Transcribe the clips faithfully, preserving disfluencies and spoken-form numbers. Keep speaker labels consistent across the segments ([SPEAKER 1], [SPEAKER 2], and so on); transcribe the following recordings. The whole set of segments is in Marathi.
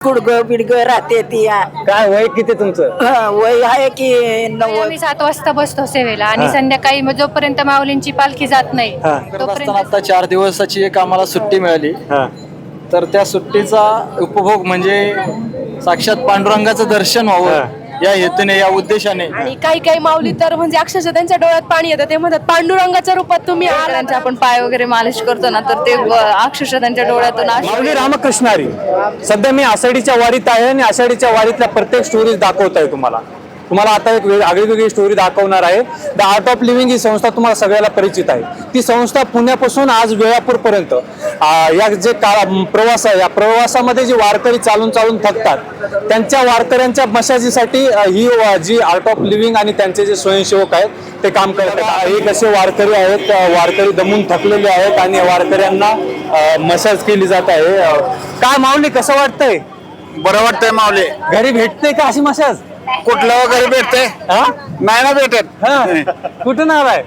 [SPEAKER 1] गुडगं बिडगं राहते ती या.
[SPEAKER 2] काय वय किती तुमचं?
[SPEAKER 1] हा, वय आहे की नव्वद.
[SPEAKER 3] आम्ही सात वाजता बसतो सेवेला आणि
[SPEAKER 2] हा.
[SPEAKER 3] संध्याकाळी मग जोपर्यंत माऊलींची पालखी जात नाही
[SPEAKER 2] हा.
[SPEAKER 3] तोपर्यंत
[SPEAKER 4] आता चार दिवसाची एक आम्हाला सुट्टी मिळाली,
[SPEAKER 2] हा
[SPEAKER 4] तर त्या सुट्टीचा उपभोग म्हणजे साक्षात पांडुरंगाचं दर्शन व्हावं या हेतूने, या उद्देशाने.
[SPEAKER 5] आणि काही काही माऊली तर म्हणजे अक्षरशः त्यांच्या डोळ्यात पाणी येतं. ते म्हणतात पांडुरंगाच्या रूपात तुम्ही आलात.
[SPEAKER 3] आपण पाय वगैरे मालिश करतो ना तर ते व- अक्षरशः त्यांच्या डोळ्यातून अश्रू
[SPEAKER 2] माऊली रामकृष्णारी. सध्या मी आषाढीच्या वारीत आहे आणि आषाढीच्या वारीतल्या प्रत्येक स्टोरीज दाखवत आहे तुम्हाला तुम्हाला आता एक वेग- आगळीवेगळी स्टोरी दाखवणार आहे. द आर्ट ऑफ लिव्हिंग ही संस्था तुम्हाला सगळ्याला परिचित आहे. ती संस्था पुण्यापासून आज वेळापूरपर्यंत या जे काळा प्रवास आहे, या प्रवासामध्ये जे वारकरी चालून चालून थकतात त्यांच्या वारकऱ्यांच्या मशाजीसाठी ही व- जी आर्ट ऑफ लिव्हिंग आणि त्यांचे जे स्वयंसेवक आहेत ते काम करतात. एक असे वारकरी आहेत, वारकरी दमून थकलेले आहेत आणि या वारकऱ्यांना मसाज केली जात आहे. काय माऊली, कसं वाटतंय?
[SPEAKER 6] बरं वाटतंय माऊली.
[SPEAKER 2] घरी भेटते का अशी मसाज?
[SPEAKER 6] कुठलं वगैरे भेटतंय?
[SPEAKER 2] हा
[SPEAKER 6] नाही ना भेटत.
[SPEAKER 2] हा कुठून आलाय?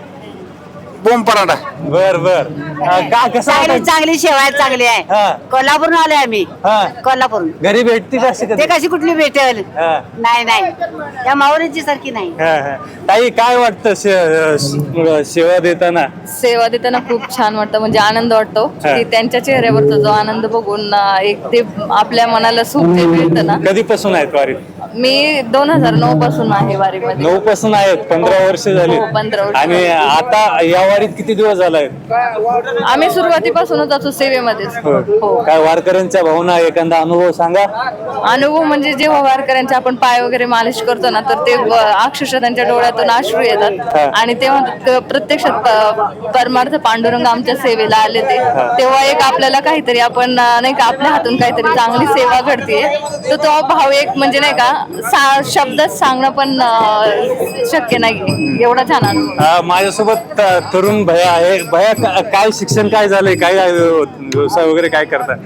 [SPEAKER 6] बोंब पराठा.
[SPEAKER 2] बर बर का कसं
[SPEAKER 7] चांगली
[SPEAKER 2] वाटतं?
[SPEAKER 7] चांगली सेवा आहे, चांगली आहे.
[SPEAKER 2] हा.
[SPEAKER 7] कोल्हापूरून आलोय आम्ही.
[SPEAKER 2] हा.
[SPEAKER 7] कोल्हापूरून.
[SPEAKER 2] घरी भेटते का अशी
[SPEAKER 7] ते
[SPEAKER 2] कधी?
[SPEAKER 7] कशी कुठली भेटेल?
[SPEAKER 2] हा.
[SPEAKER 7] नाही नाही या माऊलीची सारखी नाही.
[SPEAKER 2] हा, हा. ताई, काय वाटतं से- स- सेवा देताना?
[SPEAKER 3] सेवा देताना खूप छान वाटतं, म्हणजे आनंद वाटतो
[SPEAKER 2] हा.
[SPEAKER 3] की त्यांच्या चेहऱ्यावरचा जो आनंद बघून अं, एक ते आपल्या मनाला सुख जे मिळतं ना.
[SPEAKER 2] कधीपासून आहेत वारीत?
[SPEAKER 3] मी दोन हजार नऊ पासून आहे वारीमध्ये.
[SPEAKER 2] नऊ पासून आहेत, पंधरा वर्ष झाली.
[SPEAKER 3] हो, पंधरा वर्ष.
[SPEAKER 2] आणि आता या वारीत किती दिवस झाला आहेत?
[SPEAKER 3] आम्ही सुरुवातीपासूनच असतो सेवेमध्येच. हो.
[SPEAKER 2] काय वारकऱ्यांच्या भावना, एखादा अनुभव सांगा.
[SPEAKER 3] अनुभव म्हणजे जेव्हा वारकऱ्यांचे आपण पाय वगैरे मालिश करतो ना तर ते व- अक्षरशः त्यांच्या डोळ्यातून अश्रू
[SPEAKER 2] हा.
[SPEAKER 3] येतात आणि ते म्हणतात क- प्रत्यक्षात प- परमार्थ पांडुरंग आमच्या सेवेला आले ते तेव्हा एक आपल्याला काहीतरी आपण अं, नाही का आपल्या हातून काहीतरी चांगली सेवा घडते, तर तो भाव एक म्हणजे नाही का सा- शब्दात सांगणं पण अं, शक्य नाही, एवढा छान अनुभव.
[SPEAKER 2] अ, माझ्यासोबत अ, तरुण भया आहे. भया, का- काय शिक्षण काय झालंय, काय अ, व्यवसाय वगैरे काय करता?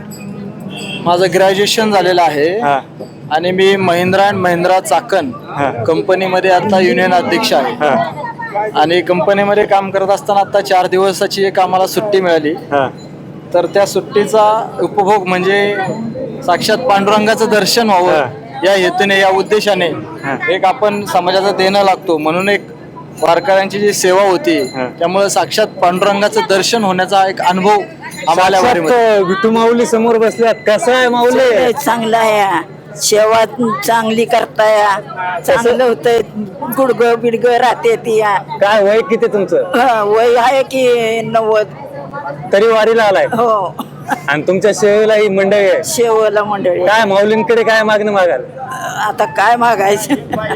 [SPEAKER 4] माझं ग्रॅज्युएशन झालेलं आहे
[SPEAKER 2] हा.
[SPEAKER 4] आणि मी महिंद्रा अँड महिंद्रा चाकण
[SPEAKER 2] हा.
[SPEAKER 4] कंपनीमध्ये आता युनियन अध्यक्ष आहे.
[SPEAKER 2] हा.
[SPEAKER 4] आणि कंपनीमध्ये काम करत असताना आता चार दिवसाची एक आम्हाला सुट्टी मिळाली,
[SPEAKER 2] हा.
[SPEAKER 4] तर त्या सुट्टीचा उपभोग म्हणजे साक्षात पांडुरंगाचं दर्शन व्हावं या हेतूने, या उद्देशाने एक आपण समाजाचं देणं लागतो म्हणून एक वारकऱ्यांची जी सेवा होती, त्यामुळे साक्षात पांडुरंगाचं दर्शन होण्याचा एक अनुभव आम्हाला वारीमध्ये.
[SPEAKER 2] साक्षात विठू माऊली समोर बसल्यात. कसं आहे माऊली?
[SPEAKER 1] चांगलं आहे, सेवा चांगली करताय, चांगलं होतंय. गुडगं बिडगं राहते ती या.
[SPEAKER 2] काय वय किती तुमचं?
[SPEAKER 1] हा, वय आहे की नव्वद.
[SPEAKER 2] तरी वारीला आलाय
[SPEAKER 1] हो,
[SPEAKER 2] आणि तुमच्या सेवेला ही मंडळी आहे.
[SPEAKER 1] शेवला मंडळी.
[SPEAKER 2] काय माऊलींकडे काय मागणं मागाल?
[SPEAKER 1] आता काय मागायचं?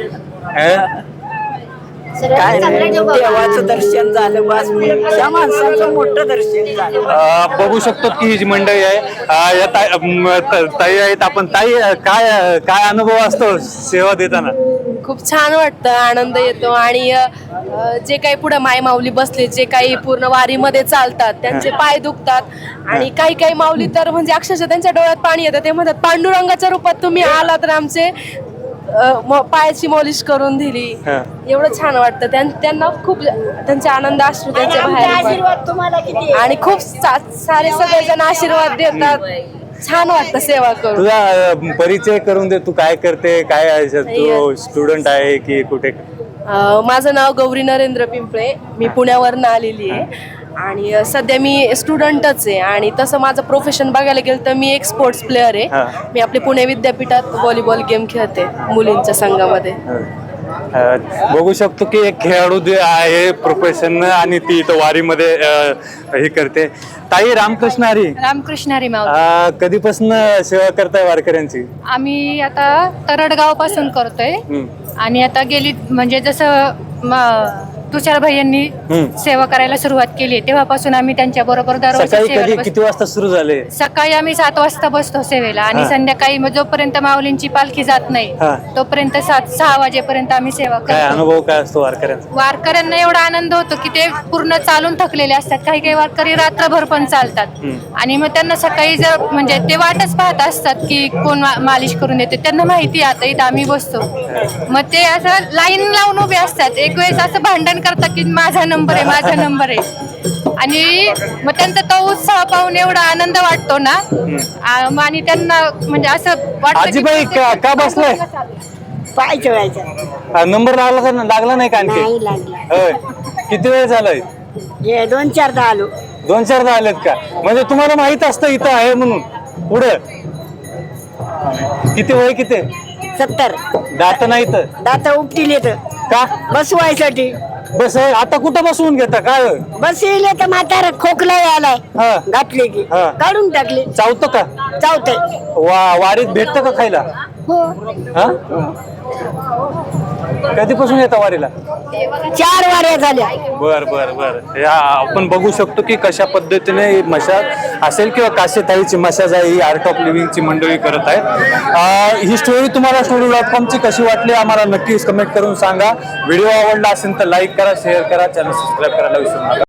[SPEAKER 2] अं?
[SPEAKER 1] काय नाही, देवाचं दर्शन झालं बस. त्या माणसाचं मोठं दर्शन झालं.
[SPEAKER 2] अं, बघू शकतो की ही जी मंडळी आहे, अं, या ताई अं, त- ताई आहेत. आपण ताई, अं, काय काय अनुभव असतो सेवा देताना?
[SPEAKER 5] खूप छान वाटतं, आनंद येतो. आणि अ, जे काही पुढे माय माऊली बसले, जे काही पूर्ण वारीमध्ये चालतात त्यांचे पाय दुखतात. आणि काही काही माऊली तर म्हणजे अक्षरशः त्यांच्या डोळ्यात पाणी येतं. ते म्हणतात पांडुरंगाच्या रूपात तुम्ही आला तर आमचे अ, म- पायाची मॉलिश करून दिली.
[SPEAKER 2] हा.
[SPEAKER 5] एवढं छान वाटतं. त्यां- त्यांना खूप त्यांचे आनंद अश्रू त्यांच्या बाहेर येतात. आणि खूप सा- सारे सगळेजण आशीर्वाद देतात. छान वाटतं सेवा करून.
[SPEAKER 2] तुझा अं, परिचय करून दे. तू काय करते, काय आहे? तू स्टुडंट आहे की कुठे?
[SPEAKER 5] अ, माझं नाव गौरी नरेंद्र पिंपळे. मी पुण्यावरनं आलेली आहे आणि अ, सध्या मी स्टुडंटच आहे. आणि तसं माझं प्रोफेशन बघायला गेलं तर मी एक स्पोर्ट्स प्लेअर आहे.
[SPEAKER 2] हा.
[SPEAKER 5] मी आपले पुणे विद्यापीठात व्हॉलीबॉल गेम खेळते मुलींच्या संघामध्ये.
[SPEAKER 2] अं, बघू शकतो की एक खेळाडू जे आहे प्रोफेशन आणि ती इथं वारीमध्ये अं, हे करते. ताई, रामकृष्ण हरी.
[SPEAKER 3] रामकृष्ण हरी माऊली.
[SPEAKER 2] अं, कधीपासून सेवा करताय वारकऱ्यांची?
[SPEAKER 3] आम्ही आता तरडगाव पासून करतोय
[SPEAKER 2] हम्म.
[SPEAKER 3] आणि आता गेली म्हणजे जसं म- तुषार भाईंनी
[SPEAKER 2] हम्म.
[SPEAKER 3] सेवा करायला सुरुवात केली तेव्हापासून आम्ही त्यांच्या बरोबर दरवर्षी
[SPEAKER 2] सकाळी
[SPEAKER 3] सेवेला
[SPEAKER 2] कधी
[SPEAKER 3] बसतो.
[SPEAKER 2] किती वाजता सुरू झाले?
[SPEAKER 3] सकाळी आम्ही सात वाजता बसतो सेवेला आणि
[SPEAKER 2] हा.
[SPEAKER 3] संध्याकाळी मग जोपर्यंत माऊलींची पालखी जात नाही
[SPEAKER 2] हा.
[SPEAKER 3] तोपर्यंत सात सहा वाजेपर्यंत आम्ही सेवा
[SPEAKER 2] काय
[SPEAKER 3] करतो.
[SPEAKER 2] अनुभव काय असतो वारकऱ्यांचा?
[SPEAKER 3] वारकऱ्यांना एवढा आनंद होतो की ते पूर्ण चालून थकलेले असतात. काही काही वारकरी रात्रभर पण चालतात
[SPEAKER 2] हम्म.
[SPEAKER 3] आणि मग त्यांना सकाळी जर म्हणजे ते वाटच पाहत असतात की कोण मा- मालिश करून देते. त्यांना माहिती आहे आता इथं आम्ही बसतो, मग ते असं लाईन लावून उभे असतात. एक वेळेस असं भांडण
[SPEAKER 5] करतात की माझा नंबर आहे माझा नंबर आहे आणि मग त्यांचा तो उत्साह पाहून एवढा आनंद वाटतो ना आ, मग आणि त्यांना म्हणजे असं वाटतं की-
[SPEAKER 2] आजीबाई का का बसलाय
[SPEAKER 1] पाय ठेवायचा
[SPEAKER 2] नंबर लागला का लागला नाही का आणखी
[SPEAKER 1] नाही लागला
[SPEAKER 2] होय किती वेळ झालाय
[SPEAKER 1] हे दोन चारदा आलो
[SPEAKER 2] दोन चारदा आलेत का म्हणजे तुम्हाला माहित असतं इथं आहे म्हणून पुढं किती वय किती
[SPEAKER 1] सत्तर
[SPEAKER 2] दात नाही तर
[SPEAKER 1] दात उपटील येत
[SPEAKER 2] का
[SPEAKER 1] बसवायसाठी
[SPEAKER 2] बस आता कुठं बसवून घेता काय होय?
[SPEAKER 1] बस येईल तर म्हातारा खोकला आलाय
[SPEAKER 2] हा
[SPEAKER 1] घातले की
[SPEAKER 2] हा.
[SPEAKER 1] काढून टाकले
[SPEAKER 2] चावतं का
[SPEAKER 1] चावते
[SPEAKER 2] वा वारीत भेटतं का खायला
[SPEAKER 1] हो
[SPEAKER 2] हा कधीपासून येतं वारीला
[SPEAKER 1] चार वाऱ्या झाल्या
[SPEAKER 2] बर बर बर या आपण बघू शकतो की कशा पद्धतीने ही मशाज असेल किंवा काशेताईची मशाज आहे ही आर्ट ऑफ लिव्हिंगची मंडळी करत आहेत अं, ही स्टोरी तुम्हाला स्टोरी डॉट कॉमची कशी वाटली आम्हाला नक्कीच कमेंट करून सांगा व्हिडिओ आवडला असेल तर लाईक करा शेअर करा चॅनल सबस्क्राईब करायला विसरू नका